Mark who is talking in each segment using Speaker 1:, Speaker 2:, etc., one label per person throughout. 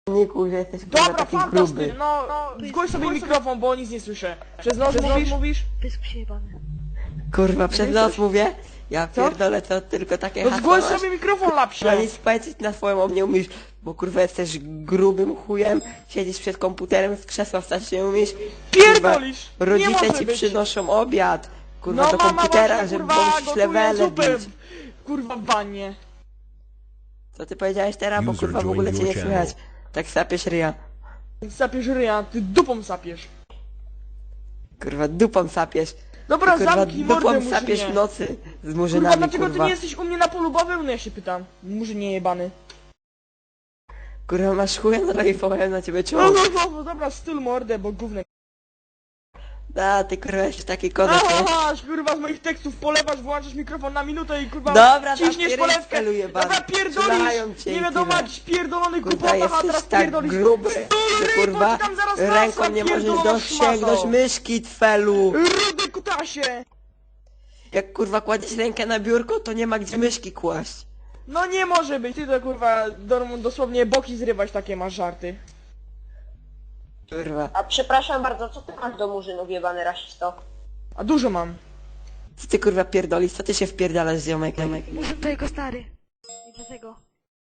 Speaker 1: Niku, że jesteś kurwa
Speaker 2: Dobra,
Speaker 1: taki
Speaker 2: fantastycznie,
Speaker 1: gruby.
Speaker 2: no, zgłoś sobie mikrofon, bo nic nie słyszę. Przez nos mówisz?
Speaker 3: Pysk przyjebany.
Speaker 1: Kurwa, przez nos mówię? Ja
Speaker 2: Co?
Speaker 1: pierdolę, to tylko takie
Speaker 2: No
Speaker 1: hasło
Speaker 2: zgłoś
Speaker 1: masz.
Speaker 2: sobie mikrofon, lapsie.
Speaker 1: A nic powiedzieć na swoją o mnie umiesz, bo kurwa jesteś grubym chujem, siedzisz przed komputerem, z krzesła wstać nie umiesz.
Speaker 2: Pierdolisz!
Speaker 1: Kurwa,
Speaker 2: Nie
Speaker 1: rodzice
Speaker 2: może
Speaker 1: ci
Speaker 2: być.
Speaker 1: przynoszą obiad, kurwa,
Speaker 2: No
Speaker 1: do
Speaker 2: mama
Speaker 1: komputera,
Speaker 2: właśnie,
Speaker 1: żeby
Speaker 2: kurwa,
Speaker 1: musisz
Speaker 2: gotuje
Speaker 1: levele
Speaker 2: zupę,
Speaker 1: bić.
Speaker 2: kurwa, w wannie.
Speaker 1: Co ty powiedziałeś teraz, bo
Speaker 4: User
Speaker 1: kurwa w
Speaker 4: joined
Speaker 1: ogóle cię
Speaker 4: your
Speaker 1: nie
Speaker 4: channel.
Speaker 1: słychać. Tak sapiesz ryja.
Speaker 2: Sapiesz ryja, ty dupą sapiesz.
Speaker 1: Kurwa, dupą sapiesz.
Speaker 2: Dobra,
Speaker 1: Ty, kurwa,
Speaker 2: zamknij mordę,
Speaker 1: dupą sapiesz w
Speaker 2: murzynie.
Speaker 1: nocy z
Speaker 2: Kurwa,
Speaker 1: murzynami,
Speaker 2: dlaczego ty
Speaker 1: kurwa.
Speaker 2: nie jesteś u mnie na polu bawełny, no ja się pytam. Murzynie jebany.
Speaker 1: Kurwa, masz chuja, no i powiem na ciebie
Speaker 2: No,
Speaker 1: czoło.
Speaker 2: no, dobra, styl mordę, bo gównek.
Speaker 1: Da, ty kurwa jesteś taki kozak, nie?
Speaker 2: Aha, kurwa, z moich tekstów polewasz, włączasz mikrofon na minutę i kurwa
Speaker 1: Dobra,
Speaker 2: ciśniesz
Speaker 1: tam
Speaker 2: polewkę.
Speaker 1: pierdzieluje pan.
Speaker 2: Dobra,
Speaker 1: Strzelają
Speaker 2: pierdolisz!
Speaker 1: cię
Speaker 2: Nie
Speaker 1: i
Speaker 2: wiadomo
Speaker 1: tyle.
Speaker 2: jakiś pierdolony
Speaker 1: Kurwa,
Speaker 2: kupowa, a
Speaker 1: jesteś
Speaker 2: teraz
Speaker 1: tak
Speaker 2: pierdolisz.
Speaker 1: gruby, że
Speaker 2: Rudy,
Speaker 1: kurwa
Speaker 2: to ci tam zaraz
Speaker 1: ręką
Speaker 2: nasra,
Speaker 1: nie możesz
Speaker 2: pierdolona
Speaker 1: dosięgnąć
Speaker 2: szmato.
Speaker 1: myszki, twelu.
Speaker 2: Rudy kutasie!
Speaker 1: Jak kurwa kładziesz rękę na biurko, to nie ma gdzie myszki kłaść.
Speaker 2: No nie może być, ty to kurwa dosłownie boki zrywać, takie masz żarty.
Speaker 1: Kurwa.
Speaker 5: A przepraszam bardzo, co ty masz do murzynów jebany rasisto?
Speaker 2: A dużo mam.
Speaker 1: Co ty kurwa pierdolisz? Co ty się wpierdalasz, ziomek?
Speaker 3: Muszę to jego stary. I dlatego.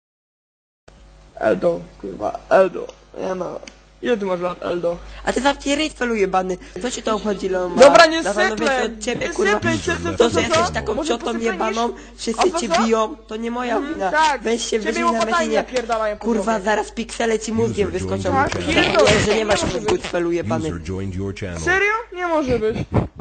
Speaker 2: Eldo, kurwa, Eldo. Ja no. Ile ty masz lat, Eldo?
Speaker 1: A ty zamknij ryj, twelu jebany. Co ci to obchodzi, Leon?
Speaker 2: Dobra, nie
Speaker 1: Na pewno
Speaker 2: syplę!
Speaker 1: wiesz od ciebie,
Speaker 2: Nie
Speaker 1: kurwa.
Speaker 2: syplę, co?
Speaker 1: To, że jesteś taką
Speaker 2: Może
Speaker 1: ciotą
Speaker 2: posypaniesz?
Speaker 1: jebaną,
Speaker 2: A
Speaker 1: wszyscy
Speaker 2: co,
Speaker 1: cię
Speaker 2: co?
Speaker 1: biją, to nie moja wina.
Speaker 2: Tak,
Speaker 1: Weź się
Speaker 2: ciebie
Speaker 1: wyżyj na
Speaker 2: łopatami
Speaker 1: metinie.
Speaker 2: napierdalają po
Speaker 1: Kurwa,
Speaker 2: głowie.
Speaker 1: zaraz piksele ci mózgiem
Speaker 4: User
Speaker 1: wyskoczą.
Speaker 4: joined
Speaker 2: your
Speaker 1: Tak,
Speaker 2: channel.
Speaker 1: nie, że nie masz
Speaker 2: Nie może
Speaker 1: mózgu,
Speaker 2: być.
Speaker 1: twelu jebany.
Speaker 4: User joined your channel.
Speaker 2: Serio? Nie może być.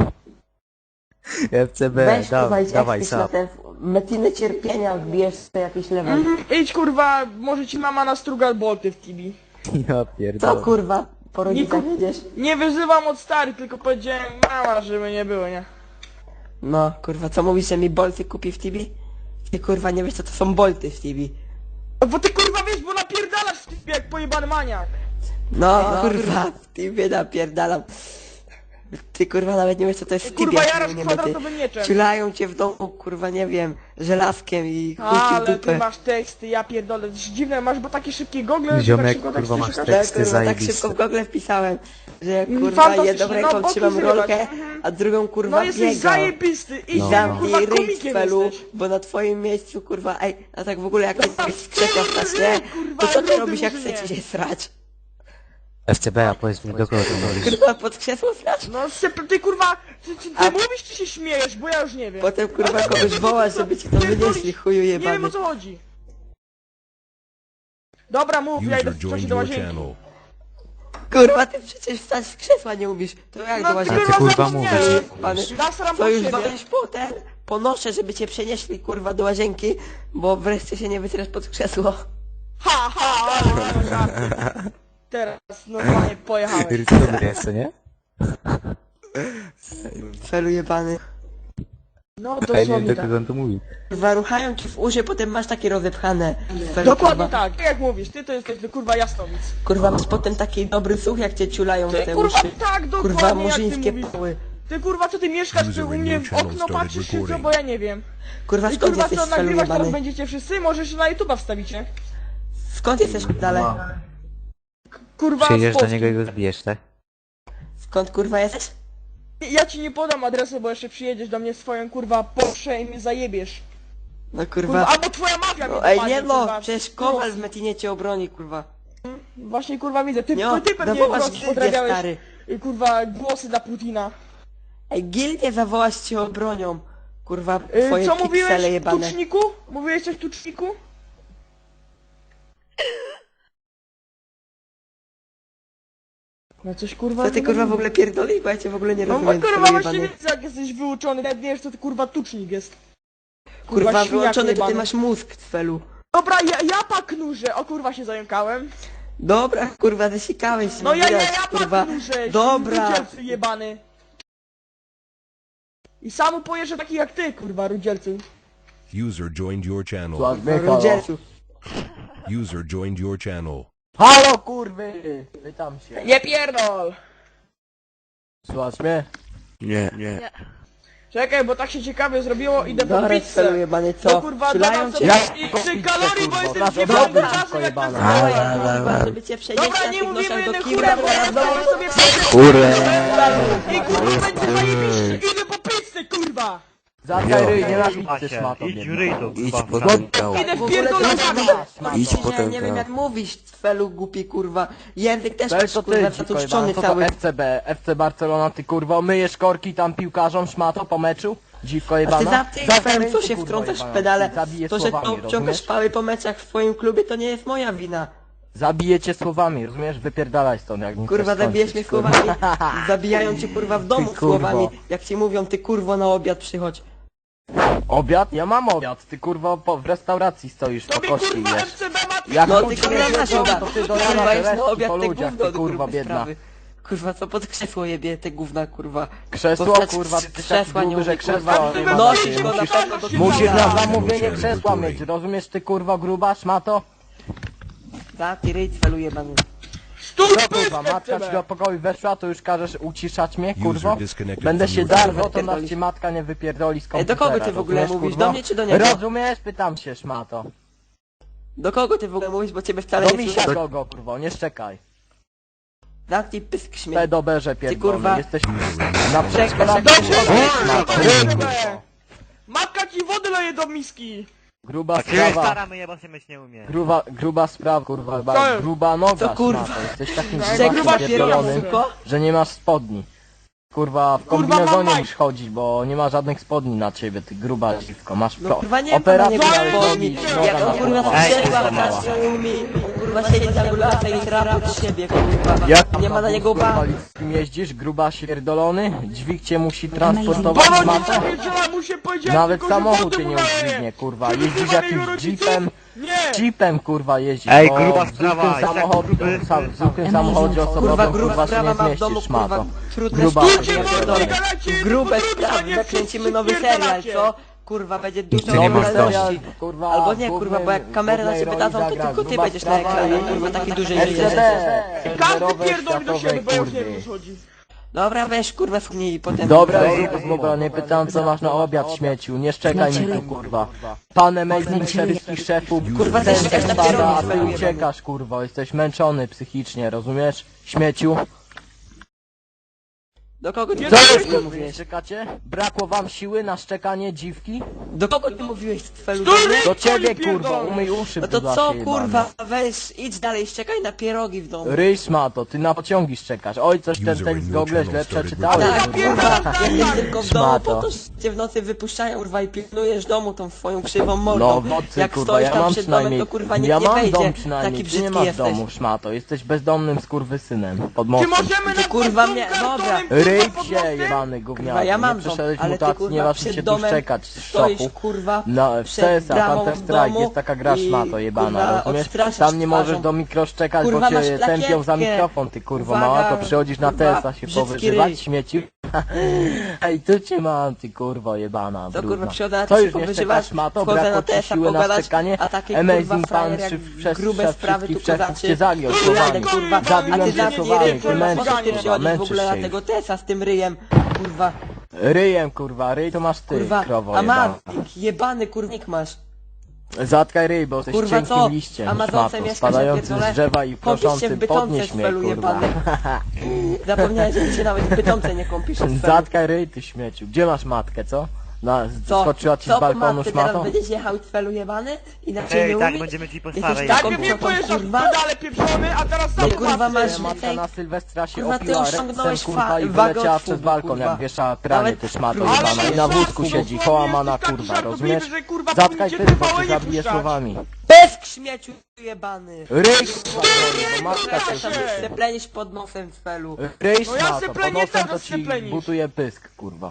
Speaker 6: FCB,
Speaker 1: Weź kurwa, idź
Speaker 6: dawaj
Speaker 1: ekspić na
Speaker 6: sam.
Speaker 1: te metiny cierpienia, wbijesz sobie jakiś level.
Speaker 2: Idź kurwa, może ci mama nastruga bolty w tibi.
Speaker 6: Ja
Speaker 1: Co
Speaker 6: pierdolę.
Speaker 1: kurwa, po rodzicach
Speaker 2: Niku-
Speaker 1: jedziesz?
Speaker 2: Nie wyzywam od starych, tylko powiedziałem mama, żeby nie było, nie?
Speaker 1: No, kurwa, co mówisz, że mi bolty kupi w Tibi? Ty kurwa nie wiesz co to są bolty w Tibi.
Speaker 2: Bo ty kurwa wiesz, bo napierdalasz w tibie jak pojebany maniak.
Speaker 1: No, kurwa, w Tibie napierdalam. Ty kurwa nawet nie wiesz co to jest w Tibie.
Speaker 2: Kurwa,
Speaker 1: jak
Speaker 2: jarasz
Speaker 1: nie
Speaker 2: kwadratowym mieczem.
Speaker 1: Ciulają cię w domu, kurwa, nie wiem, żelazkiem i chuj ci w
Speaker 2: Ale ty
Speaker 1: dupę.
Speaker 2: masz teksty, ja pierdolę, to jest dziwne, masz bo takie szybkie gogle, że
Speaker 6: Ziomek,
Speaker 2: tak szybko
Speaker 6: kurwa,
Speaker 2: teksty
Speaker 6: masz
Speaker 2: szukasz?
Speaker 1: Tak,
Speaker 6: teksty
Speaker 1: kurwa, tak
Speaker 6: zajebiste.
Speaker 1: szybko w Google wpisałem, że jak kurwa
Speaker 2: Fantastycznie,
Speaker 1: jedną
Speaker 2: no,
Speaker 1: ręką
Speaker 2: boki
Speaker 1: trzymam
Speaker 2: zrywać.
Speaker 1: rolkę, a drugą kurwa
Speaker 2: No jesteś
Speaker 1: biegam.
Speaker 2: zajebisty, idź
Speaker 6: No.
Speaker 2: tam, kurwa,
Speaker 1: Zamknij ryj,
Speaker 2: komikiem
Speaker 1: felu,
Speaker 2: jesteś.
Speaker 1: bo na twoim miejscu, kurwa, ej, a tak w ogóle jak jesteś z krzesła wstać, nie? To co ty
Speaker 2: rudy
Speaker 1: robisz jak
Speaker 2: murzynie.
Speaker 1: chcecie się srać?
Speaker 6: FCB, a powiedz mi do kogo to mówisz?
Speaker 1: Kurwa, pod krzesło srać?
Speaker 2: No ty kurwa, ty
Speaker 1: A-
Speaker 2: mówisz czy się śmiejesz, bo ja już nie wiem.
Speaker 1: Potem kurwa kogoś wołasz, żeby ci to wynieśli, chuju
Speaker 2: Nie wiem
Speaker 1: jebany.
Speaker 2: o co chodzi. Dobra, mów, ja idę
Speaker 4: User
Speaker 2: w czasie
Speaker 4: joined
Speaker 2: do
Speaker 4: your
Speaker 2: łazienki.
Speaker 4: channel.
Speaker 1: Kurwa, ty przecież wstać z krzesła nie umiesz. To jak
Speaker 2: No
Speaker 1: do
Speaker 2: ty
Speaker 1: łazienki?
Speaker 6: ty, kurwa,
Speaker 2: zapomniałem.
Speaker 6: mówisz?
Speaker 1: Pany,
Speaker 2: Nasram
Speaker 1: to
Speaker 2: pod
Speaker 1: już
Speaker 2: siebie.
Speaker 1: walisz potem. Ponoszę, żeby cię przenieśli kurwa do łazienki, bo wreszcie się nie wytrasz pod krzesło.
Speaker 2: Ha, ha, ha. Teraz normalnie pojechałeś.
Speaker 6: Irytowny jest, co nie?
Speaker 1: Felu jebany.
Speaker 2: No
Speaker 6: Ja nie wiem
Speaker 2: dosłownie
Speaker 6: do
Speaker 2: tak.
Speaker 6: kogo on to mówi.
Speaker 1: Kurwa, ruchają ci w uszy, potem masz takie rozepchane. Felu,
Speaker 2: Dokładnie
Speaker 1: kurwa,
Speaker 2: tak, jak mówisz, ty to jesteś kurwa jasnowic.
Speaker 1: Kurwa, masz potem taki dobry słuch, jak cię ciulają w
Speaker 2: Ty
Speaker 1: te
Speaker 2: kurwa
Speaker 1: uszy.
Speaker 2: tak,
Speaker 1: Kurwa,
Speaker 2: dokładnie jak ty
Speaker 1: murzyńskie
Speaker 2: mówisz.
Speaker 1: poły.
Speaker 2: Ty kurwa co ty mieszkasz, ty u mnie w okno patrzysz czy co, bo ja nie wiem.
Speaker 1: Kurwa,
Speaker 2: I
Speaker 1: skąd
Speaker 2: kurwa
Speaker 1: jesteś
Speaker 2: co,
Speaker 1: Felu
Speaker 2: nagrywać teraz
Speaker 1: jebany?
Speaker 2: będziecie wszyscy? Może się na YouTube'a wstawicie?
Speaker 1: Skąd jesteś dalej?
Speaker 2: Kurwa z
Speaker 6: Przyjedziesz do
Speaker 2: Polski.
Speaker 6: niego i go zbijesz, tak?
Speaker 1: Skąd kurwa jesteś?
Speaker 2: Ja ci nie podam adresu, bo jeszcze przyjedziesz do mnie swoją kurwa Porsche i mnie zajebiesz.
Speaker 1: No
Speaker 2: Kurwa,
Speaker 1: kurwa.
Speaker 2: albo twoja mafia mnie
Speaker 1: No, ej,
Speaker 2: dopadnie,
Speaker 1: nie no,
Speaker 2: kurwa.
Speaker 1: przecież Kowal w Metinie cię obroni, kurwa.
Speaker 2: Właśnie kurwa widzę, ty
Speaker 1: Nie,
Speaker 2: pewnie
Speaker 1: zawołasz
Speaker 2: kurwa
Speaker 1: gildię,
Speaker 2: podrabiałeś
Speaker 1: stary.
Speaker 2: kurwa głosy dla Putina.
Speaker 1: Ej, gildię zawołasz cię obronią. Kurwa, twoje
Speaker 2: Co
Speaker 1: piksele
Speaker 2: mówiłeś,
Speaker 1: jebane.
Speaker 2: tuczniku? Mówiłeś coś tuczniku? No coś kurwa...
Speaker 1: Co ty kurwa w ogóle pierdolisz, bo ja cię w ogóle nie
Speaker 2: No
Speaker 1: rozumiem,
Speaker 2: bo kurwa
Speaker 1: twoje
Speaker 2: właśnie
Speaker 1: jebane.
Speaker 2: widzę jak jesteś wyuczony, nawet nie wiesz co ty kurwa tucznik jest.
Speaker 1: Kurwa,
Speaker 2: świniaku
Speaker 1: wyłączony to ty
Speaker 2: jebany.
Speaker 1: masz mózg, Twelu.
Speaker 2: Dobra, ja paknurze, o kurwa się zająkałem.
Speaker 1: Dobra, kurwa, zasikałeś się.
Speaker 2: No ja
Speaker 1: widać, kurwa.
Speaker 2: paknurze,
Speaker 1: Dobra.
Speaker 2: rudzielcu jebany. I samu pojeżdżę taki jak ty kurwa rudzielcu.
Speaker 4: User joined your channel.
Speaker 1: Rudzielcu.
Speaker 4: User joined your channel.
Speaker 7: Halo kurwy! Pytam się.
Speaker 2: Nie pierdol!
Speaker 7: Słuchasz mnie?
Speaker 3: Nie.
Speaker 2: Czekaj, bo tak się ciekawie zrobiło, idę po
Speaker 1: Dobra,
Speaker 2: pizzę.
Speaker 1: cfelu jebany,
Speaker 2: No
Speaker 1: co?
Speaker 2: kurwa,
Speaker 1: Strzelają
Speaker 2: dodam
Speaker 1: cię?
Speaker 2: sobie i 3 kalorii, bo jestem
Speaker 7: Dobra,
Speaker 2: zjebany
Speaker 7: dobra,
Speaker 2: czasem jak
Speaker 7: jebana.
Speaker 2: tak
Speaker 1: Kurwa, żeby cię przejeść
Speaker 2: Dobra,
Speaker 1: na
Speaker 2: nie
Speaker 1: tych
Speaker 2: mówimy
Speaker 1: noszach do
Speaker 2: jednym
Speaker 1: kibla,
Speaker 2: chórem, bo ja znowu sobie pizzę.
Speaker 6: Kurde.
Speaker 2: I kurwa, będzie zajebiście, idę po pizzę, kurwa.
Speaker 7: Zatkaj ryj, nie na pizzę szmato.
Speaker 8: Idź ryj to,
Speaker 6: Idź
Speaker 8: kurwa.
Speaker 6: po tamtą.
Speaker 2: Idę
Speaker 1: W
Speaker 2: w
Speaker 1: ogóle to
Speaker 2: pierdolę
Speaker 6: Idź
Speaker 1: nie,
Speaker 6: potem,
Speaker 1: nie wiem
Speaker 6: tak.
Speaker 1: jak mówisz, cfelu głupi kurwa. Język też
Speaker 7: Weź
Speaker 1: masz
Speaker 7: to
Speaker 1: kurwa
Speaker 7: ty,
Speaker 1: zatłuszczony
Speaker 7: co to
Speaker 1: cały.
Speaker 7: FCB, FC Barcelona, ty kurwa, myjesz korki tam piłkarzom szmato po meczu? Dziwko
Speaker 1: A ty
Speaker 7: jebana?
Speaker 1: za tym
Speaker 7: Zatkaj ryj,
Speaker 1: co
Speaker 7: ty,
Speaker 1: się
Speaker 7: kurwa,
Speaker 1: wtrącasz w
Speaker 7: jebana.
Speaker 1: pedale,
Speaker 7: Zabiję
Speaker 1: to że
Speaker 7: słowami,
Speaker 1: obciągasz
Speaker 7: rozumiesz?
Speaker 1: pały po meczach w swoim klubie, to nie jest moja wina.
Speaker 7: Zabiję cię słowami, rozumiesz? Wypierdalaj stąd, jak nie
Speaker 1: Kurwa,
Speaker 7: chcesz
Speaker 1: zabijesz
Speaker 7: skończyć,
Speaker 1: mnie
Speaker 7: kurwa.
Speaker 1: słowami, zabijają cię kurwa w domu
Speaker 7: Ty kurwo.
Speaker 1: słowami, jak ci mówią, ty kurwo na obiad przychodź.
Speaker 7: Obiad? Ja mam obiad, ty kurwa w restauracji stoisz po
Speaker 2: Tobie
Speaker 7: kości
Speaker 2: kurwa
Speaker 7: jesz.
Speaker 2: FCB ma
Speaker 7: Jak
Speaker 1: No
Speaker 7: tu
Speaker 1: ty
Speaker 7: ci
Speaker 1: kurwa
Speaker 7: nie
Speaker 1: masz
Speaker 7: wiedzą,
Speaker 1: obiad,
Speaker 7: to ty do
Speaker 1: kurwa
Speaker 7: rana
Speaker 1: jest na
Speaker 7: resztki
Speaker 1: obiad
Speaker 7: po
Speaker 1: te
Speaker 7: ludziach,
Speaker 1: gówno
Speaker 7: ty
Speaker 1: do
Speaker 7: kurwa
Speaker 1: grubej
Speaker 7: biedna.
Speaker 1: sprawy. Kurwa, co pod krzesło jebie te gówna kurwa.
Speaker 7: Krzesło,
Speaker 1: Postać
Speaker 7: kurwa, ty
Speaker 1: krzesła
Speaker 7: taki gruby,
Speaker 1: nie
Speaker 7: że
Speaker 1: umie,
Speaker 7: krzesła
Speaker 1: kurwa.
Speaker 7: jebana,
Speaker 1: Nosisz
Speaker 7: ty
Speaker 1: go na
Speaker 7: musisz-
Speaker 1: pewno do
Speaker 7: Musisz
Speaker 1: kibla.
Speaker 7: na zamówienie krzesła mieć, rozumiesz ty kurwa gruba szmato?
Speaker 1: Za ty ryj cfelu jebany.
Speaker 2: Stój,
Speaker 7: No kurwa,
Speaker 2: pysk,
Speaker 7: matka ci do pokoju weszła, to już każesz uciszać mnie, kurwo?
Speaker 4: User disconnected
Speaker 7: Będę
Speaker 4: from
Speaker 7: się
Speaker 4: your
Speaker 7: darł,
Speaker 4: channel.
Speaker 7: to nas ci matka nie wypierdoli z
Speaker 1: Ej,
Speaker 7: komputera.
Speaker 1: do kogo ty w ogóle
Speaker 7: rozumiesz,
Speaker 1: mówisz?
Speaker 7: kurwa?
Speaker 1: Do mnie czy do niego?
Speaker 7: Rozumiesz? Pytam się, szmato.
Speaker 1: Do kogo ty w ogóle mówisz, bo ciebie wcale
Speaker 7: Do
Speaker 1: nie
Speaker 7: misia
Speaker 1: słyszę.
Speaker 7: kogo, kurwo, nie szczekaj.
Speaker 1: Zamknij pysk śmiech.
Speaker 7: Pedoberze pierdolony,
Speaker 1: kurwa.
Speaker 7: jesteś na
Speaker 1: Czekaj,
Speaker 7: przykład
Speaker 2: Matka ci wody leje do miski.
Speaker 7: gruba
Speaker 8: A ciebie
Speaker 7: sprawa.
Speaker 8: stara myje, bo się myć nie umie.
Speaker 7: Gruba sprawa, kurwa,
Speaker 2: Co jest?
Speaker 7: gruba noga,
Speaker 1: Co, kurwa?
Speaker 7: szmato. Jesteś takim
Speaker 2: Gruba
Speaker 7: gruba pierdolonym,
Speaker 1: pierdolony.
Speaker 7: że nie masz spodni. Kurwa, w
Speaker 2: Kurwa,
Speaker 7: kombinezonie
Speaker 2: mam
Speaker 7: musisz chodzić, bo nie ma żadnych spodni na ciebie, ty gruba dziwko. Masz
Speaker 1: No kurwa nie ma na
Speaker 7: operację
Speaker 1: niego
Speaker 7: ale
Speaker 1: spodni.
Speaker 7: nogi,
Speaker 1: Jak
Speaker 7: noga
Speaker 1: on kurwa
Speaker 7: na
Speaker 1: strzela
Speaker 7: za
Speaker 1: w
Speaker 7: mała.
Speaker 1: naszą umie. Kurwa siedzi za gulata i trapa od siebie kurwa.
Speaker 7: Jak tam
Speaker 1: Nie ma na niego
Speaker 7: wózku
Speaker 1: ba.
Speaker 7: inwalidzkim jeździsz, gruba pierdolony, dźwig cię musi transportować
Speaker 2: Bo
Speaker 7: matą.
Speaker 2: rodzice wiedziała, mu się powiedziałem,
Speaker 7: Nawet
Speaker 2: tylko, że
Speaker 7: samochód
Speaker 2: wody
Speaker 7: cię nie
Speaker 2: mu naleje.
Speaker 7: udźwignie, kurwa.
Speaker 2: Ty
Speaker 7: Jeździsz
Speaker 2: kurwa jego
Speaker 7: jakimś
Speaker 2: rodziców?
Speaker 7: jeepem,
Speaker 2: Nie.
Speaker 7: jeepem kurwa jeździsz,
Speaker 8: Ej,
Speaker 7: bo
Speaker 8: gruba
Speaker 7: w
Speaker 8: sprawa,
Speaker 7: zwykłym
Speaker 8: jest tak
Speaker 7: samochodzie,
Speaker 8: gruby.
Speaker 7: w zwykłym samochodzie
Speaker 1: Kurwa
Speaker 7: osobowym
Speaker 1: gruba
Speaker 7: kurwa się
Speaker 1: sprawa
Speaker 7: nie
Speaker 1: ma w domu
Speaker 7: zmieścisz,
Speaker 1: kurwa
Speaker 7: szmato.
Speaker 1: trudne
Speaker 7: Gruba
Speaker 1: sztuki,
Speaker 2: Kurwa,
Speaker 1: ja pierdolę.
Speaker 2: pierdolę.
Speaker 1: Grube
Speaker 2: Kurwa,
Speaker 1: sprawy,
Speaker 2: nie
Speaker 1: nakręcimy
Speaker 2: wszyscy
Speaker 1: nowy serial,
Speaker 2: pierdolacie.
Speaker 1: co? Kurwa będzie dużo
Speaker 4: nie masz
Speaker 1: oglądalności.
Speaker 7: kurwa,
Speaker 1: Albo nie,
Speaker 7: w
Speaker 1: kurwa, bo jak
Speaker 7: głównej-
Speaker 1: kamery na
Speaker 7: głównej
Speaker 1: ciebie
Speaker 7: roli
Speaker 1: dadzą, to
Speaker 7: zagra
Speaker 1: tylko ty
Speaker 7: gruba
Speaker 1: będziesz na
Speaker 7: sprawa
Speaker 1: ekranie,
Speaker 7: i
Speaker 1: kurwa, taki duży
Speaker 7: SCD,
Speaker 1: jesteś.
Speaker 2: Każdy
Speaker 7: serwerowej,
Speaker 2: pierdoli do siebie, bo ja już nie
Speaker 7: kurwy.
Speaker 2: wiem o co chodzi.
Speaker 1: Dobra, weź kurwa fuknij i potem...
Speaker 7: Dobra, zrób zmowa, nie pytam co masz na obiad, śmieciu, nie szczekaj mi tu, kurwa. Pan amazing szeryfki szefu,
Speaker 1: Kurwa,
Speaker 7: ten
Speaker 1: ty szczekasz na
Speaker 7: spada,
Speaker 1: pierogi,
Speaker 7: a ty
Speaker 1: zajebany.
Speaker 7: uciekasz, kurwa, jesteś męczony psychicznie, rozumiesz? Śmieciu.
Speaker 1: Do kogo ty
Speaker 2: Nie
Speaker 7: Co
Speaker 2: Dawaj,
Speaker 7: jeszcze
Speaker 2: kurwa.
Speaker 7: mówisz? Szczekacie? Brakło wam siły na szczekanie dziwki?
Speaker 1: Do kogo ty mówiłeś twelu
Speaker 2: Stój,
Speaker 1: do mnie?
Speaker 7: Do ciebie,
Speaker 2: Pierdolę.
Speaker 7: kurwa, umyj uszy,
Speaker 1: No to
Speaker 7: brudasie
Speaker 1: co
Speaker 7: jebany.
Speaker 1: kurwa, weź, idź dalej, szczekaj na pierogi w domu.
Speaker 7: Ryj szmato, ty na pociągi szczekasz. Oj, coś ten
Speaker 4: User in
Speaker 7: z
Speaker 4: your
Speaker 7: Google
Speaker 4: channel
Speaker 7: źle
Speaker 4: started
Speaker 7: przeczytałeś,
Speaker 1: Tak,
Speaker 7: kurwa.
Speaker 1: kurwa, jesteś tylko w domu,
Speaker 7: Szmato.
Speaker 1: po to cię w nocy wypuszczają, kurwa, i pilnujesz domu tą swoją krzywą mordą.
Speaker 7: No w nocy,
Speaker 1: Jak
Speaker 7: kurwa,
Speaker 1: stoisz
Speaker 7: ja
Speaker 1: tam
Speaker 7: mam
Speaker 1: przed domem,
Speaker 7: przynajmniej,
Speaker 1: to kurwa nikt
Speaker 7: ja
Speaker 1: nie
Speaker 7: mam
Speaker 1: wejdzie.
Speaker 7: dom przynajmniej,
Speaker 1: Taki
Speaker 7: ty nie
Speaker 1: brzydki
Speaker 7: masz
Speaker 1: jesteś.
Speaker 7: domu, szmato, jesteś bezdomnym skurwysynem, pod
Speaker 2: Czy
Speaker 7: mostem.
Speaker 2: możemy na
Speaker 1: kurwa mnie- dobra.
Speaker 7: Ryj się, jebany
Speaker 1: Kurwa,
Speaker 7: gówniarzu,
Speaker 1: ja mam
Speaker 7: nie
Speaker 1: dom,
Speaker 7: przeszedłeś
Speaker 1: ale ty
Speaker 7: mutacji, nie
Speaker 1: kurwa
Speaker 7: masz się
Speaker 1: przed
Speaker 7: tu
Speaker 1: domem
Speaker 7: szczekać z
Speaker 1: stoisz
Speaker 7: szoku.
Speaker 1: kurwa
Speaker 7: No, w
Speaker 1: przed
Speaker 7: CSa,
Speaker 1: bramą
Speaker 7: Counter
Speaker 1: w
Speaker 7: Strike,
Speaker 1: domu
Speaker 7: jest taka gra
Speaker 1: i,
Speaker 7: szmato jebana,
Speaker 1: kurwa,
Speaker 7: rozumiesz?
Speaker 1: odstraszasz
Speaker 7: Tam nie możesz
Speaker 1: twarzą.
Speaker 7: do mikro szczekać,
Speaker 1: Kurwa,
Speaker 7: bo cię
Speaker 1: masz
Speaker 7: tępią za
Speaker 1: plakietkę.
Speaker 7: mikrofon, ty kurwa
Speaker 1: Uwaga,
Speaker 7: mała, to przychodzisz na
Speaker 1: kurwa,
Speaker 7: TS-a się
Speaker 1: brzydki
Speaker 7: powyżywać,
Speaker 1: ryj.
Speaker 7: śmieciu. Ej, tu cię mam, ty kurwa jebana,
Speaker 1: To
Speaker 7: brudna.
Speaker 1: kurwa przychodzę na
Speaker 7: Co
Speaker 1: to
Speaker 7: już
Speaker 1: się
Speaker 7: nie
Speaker 1: powyżywać,
Speaker 7: szczekasz, szmato?
Speaker 1: wchodzę na
Speaker 7: Brakło ci
Speaker 1: TS-a
Speaker 7: siły na
Speaker 1: pogadać,
Speaker 7: szczekanie?
Speaker 1: a takie
Speaker 7: Amazing
Speaker 1: kurwa
Speaker 7: pan,
Speaker 1: frajer jak
Speaker 7: szef
Speaker 1: grube sprawy tu
Speaker 7: wszystkich
Speaker 1: kozaczy.
Speaker 7: cię zagiął
Speaker 1: Jadę,
Speaker 7: słowami.
Speaker 1: kurwa, a
Speaker 7: Zabiłem
Speaker 1: ty
Speaker 7: cię
Speaker 1: zamknij
Speaker 7: słowami,
Speaker 1: ryj,
Speaker 7: ty
Speaker 1: kurwa, po co
Speaker 7: męczysz
Speaker 1: ty
Speaker 7: się,
Speaker 1: przychodzisz w
Speaker 7: męczysz
Speaker 1: ogóle na
Speaker 7: się.
Speaker 1: tego TS-a z tym ryjem, kurwa,
Speaker 7: Ryjem, kurwa, ryj to masz ty,
Speaker 1: kurwa,
Speaker 7: krowo
Speaker 1: a
Speaker 7: jebana.
Speaker 1: jebany kurnik masz.
Speaker 7: Zatkaj ryj, bo jesteś
Speaker 1: Kurwa,
Speaker 7: cienkim
Speaker 1: co?
Speaker 7: liściem,
Speaker 1: Amazonce
Speaker 7: szmato,
Speaker 1: mieszkasz,
Speaker 7: spadającym
Speaker 1: ja pierdolę?
Speaker 7: z drzewa i
Speaker 1: Kąpisz się w
Speaker 7: proszącym,
Speaker 1: Bytomce,
Speaker 7: podnieś mnie,
Speaker 1: szwelu
Speaker 7: kurwa.
Speaker 1: jebany. Zapomniałeś, że ty się nawet w Bytomce nie kąpisz. szwelu.
Speaker 7: Zatkaj ryj, ty śmieciu. Gdzie masz matkę, co?
Speaker 1: Co?
Speaker 7: Skoczyła ci
Speaker 1: Co
Speaker 7: z balkonu
Speaker 1: matce, teraz
Speaker 7: szmatą?
Speaker 1: będziesz jechał twelu jebany? Inaczej
Speaker 8: Ej,
Speaker 1: nie
Speaker 8: tak,
Speaker 1: umiesz?
Speaker 8: będziemy ci po
Speaker 1: Jesteś
Speaker 8: starej.
Speaker 1: taką
Speaker 2: Najpierw mnie
Speaker 1: krzotą,
Speaker 2: pojeżdżasz
Speaker 1: kurwa.
Speaker 2: pedale pieprzony, a teraz sam
Speaker 1: kurwa,
Speaker 2: patrzę.
Speaker 1: masz-
Speaker 7: Matka na Sylwestra się
Speaker 1: Kurwa, ty
Speaker 7: opiła
Speaker 1: osiągnąłeś
Speaker 7: reksem, kurwa, i
Speaker 1: wagę
Speaker 7: wyleciała
Speaker 1: od
Speaker 7: przez
Speaker 1: fugu,
Speaker 7: balkon,
Speaker 1: kurwa.
Speaker 7: jak wiesza pranie,
Speaker 1: Nawet-
Speaker 7: ty szmato
Speaker 1: Ale
Speaker 7: jebana. I na wózku siedzi, kołamana kurwa, rozumiesz?
Speaker 2: Że, kurwa,
Speaker 7: Zatkaj
Speaker 2: powinniście
Speaker 7: ty, bo
Speaker 2: TVN
Speaker 7: cię
Speaker 2: nie
Speaker 7: zabiję
Speaker 2: puszczać.
Speaker 7: słowami.
Speaker 1: Bez śmieciu jebany!
Speaker 7: Ryj, kurwa, bo matka cię
Speaker 1: Tam się plenisz pod nosem twelu.
Speaker 7: Ryj
Speaker 2: No ja se
Speaker 7: szmato, pod
Speaker 2: plenię,
Speaker 7: nosem to
Speaker 2: teraz se
Speaker 7: ci
Speaker 2: plenisz.
Speaker 7: butuje pysk, kurwa.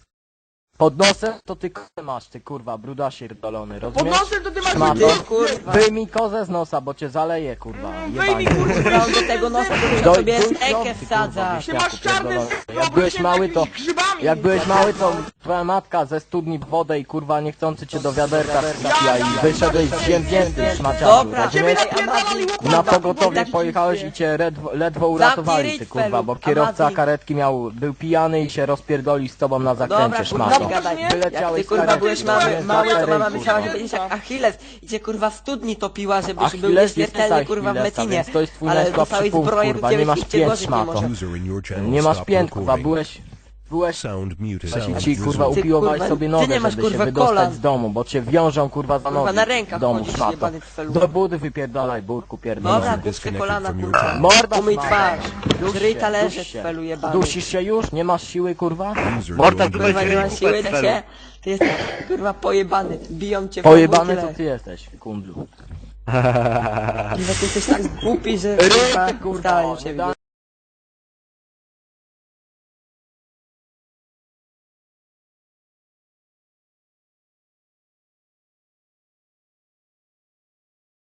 Speaker 7: Pod nosem to ty kozę masz, ty kurwa, brudasie dolony,
Speaker 2: Pod
Speaker 7: rozumiesz?
Speaker 2: nosem to ty masz
Speaker 7: Szmato.
Speaker 1: Ty, kurwa.
Speaker 7: Wyjmij kozę z nosa, bo cię zaleje, kurwa,
Speaker 2: Wyjmij,
Speaker 7: jebanie.
Speaker 2: kurwa,
Speaker 1: Kurwa, on do tego nosa to
Speaker 7: Doj-
Speaker 1: sobie
Speaker 7: doj-
Speaker 1: ekę
Speaker 7: ty,
Speaker 1: wsadza.
Speaker 7: kurwa,
Speaker 2: Ty masz czarny
Speaker 7: pierdolony.
Speaker 2: z
Speaker 7: Jak byłeś mały, to
Speaker 2: grzybami
Speaker 7: Jak byłeś mały, to twoja matka ze studni w wodę i kurwa niechcący cię do wiaderka wrzuciła i wyszedłeś ziemnięty szmaciarzu,
Speaker 1: Dobra,
Speaker 7: rozumiesz?
Speaker 1: Amazing,
Speaker 7: Na pogotowie
Speaker 1: tak
Speaker 7: pojechałeś i cię ledwo uratowali, ty
Speaker 1: ryj,
Speaker 7: kurwa, bo
Speaker 1: Felu,
Speaker 7: kierowca
Speaker 1: Amazing.
Speaker 7: karetki był pijany i się rozpierdolił z tobą na
Speaker 1: Dobra,
Speaker 7: zakręcie,
Speaker 1: kurwa,
Speaker 7: szmato.
Speaker 1: nie gadaj. Jak
Speaker 7: Wyleciałeś
Speaker 1: ty
Speaker 7: z
Speaker 1: kurwa
Speaker 7: karetki,
Speaker 1: byłeś
Speaker 7: rozumiesz?
Speaker 1: mały, to mama
Speaker 7: Zakręt,
Speaker 1: myślała, że
Speaker 7: kurwa.
Speaker 1: będziesz jak Achilles i cię kurwa w studni topiła, żebyś był
Speaker 7: Achilles nie
Speaker 1: nieśmiertelny
Speaker 7: tutaj
Speaker 1: kurwa w
Speaker 7: Achillesa,
Speaker 1: Metinie.
Speaker 7: więc to jest twój
Speaker 1: Ale
Speaker 7: najsłabszy
Speaker 1: dostałeś
Speaker 7: punkt,
Speaker 1: zbroję,
Speaker 7: kurwa,
Speaker 1: do
Speaker 7: nie masz
Speaker 1: ciebie
Speaker 7: pięt,
Speaker 1: nikt cię
Speaker 7: szmato.
Speaker 1: może.
Speaker 4: User in your channel
Speaker 7: Nie masz
Speaker 4: stopped
Speaker 7: pięt, kurwa,
Speaker 4: recording.
Speaker 7: byłeś
Speaker 4: Sound muted.
Speaker 7: Właśnie
Speaker 4: Sound
Speaker 7: ci kurwa
Speaker 4: resumed.
Speaker 7: upiłowałeś
Speaker 1: kurwa,
Speaker 7: sobie
Speaker 1: ty
Speaker 7: nogę,
Speaker 1: nie masz,
Speaker 7: żeby się
Speaker 1: kurwa,
Speaker 7: wydostać
Speaker 1: kolan.
Speaker 7: z domu, bo cię wiążą kurwa za nogi
Speaker 1: na rękach
Speaker 7: w domu,
Speaker 1: chodzisz,
Speaker 7: szmato.
Speaker 1: jebany cfelu.
Speaker 7: Do budy wypierdalaj, burku pierdolony.
Speaker 1: Dobra,
Speaker 4: Disconnected
Speaker 1: kupcie kolana
Speaker 4: from your
Speaker 1: kurwa.
Speaker 4: channel.
Speaker 7: Morda
Speaker 1: Umyj
Speaker 7: szmato.
Speaker 1: twarz.
Speaker 7: Duś
Speaker 1: Zryj
Speaker 7: się,
Speaker 1: talerze
Speaker 7: duś się.
Speaker 1: cfelu jebany.
Speaker 7: Dusisz się już? Nie masz siły kurwa?
Speaker 4: User
Speaker 8: Morda,
Speaker 4: joined your
Speaker 1: Kurwa nie
Speaker 4: channel.
Speaker 1: masz siły na się. Ty jesteś kurwa pojebany. Biją cię w
Speaker 7: Pojebany
Speaker 1: tyle.
Speaker 7: to ty jesteś, kundlu.
Speaker 1: Kurwa, ty jesteś tak głupi, że
Speaker 7: Ryj,
Speaker 1: kurwa
Speaker 7: kurwa,
Speaker 1: udałem
Speaker 7: nie
Speaker 1: się
Speaker 7: da-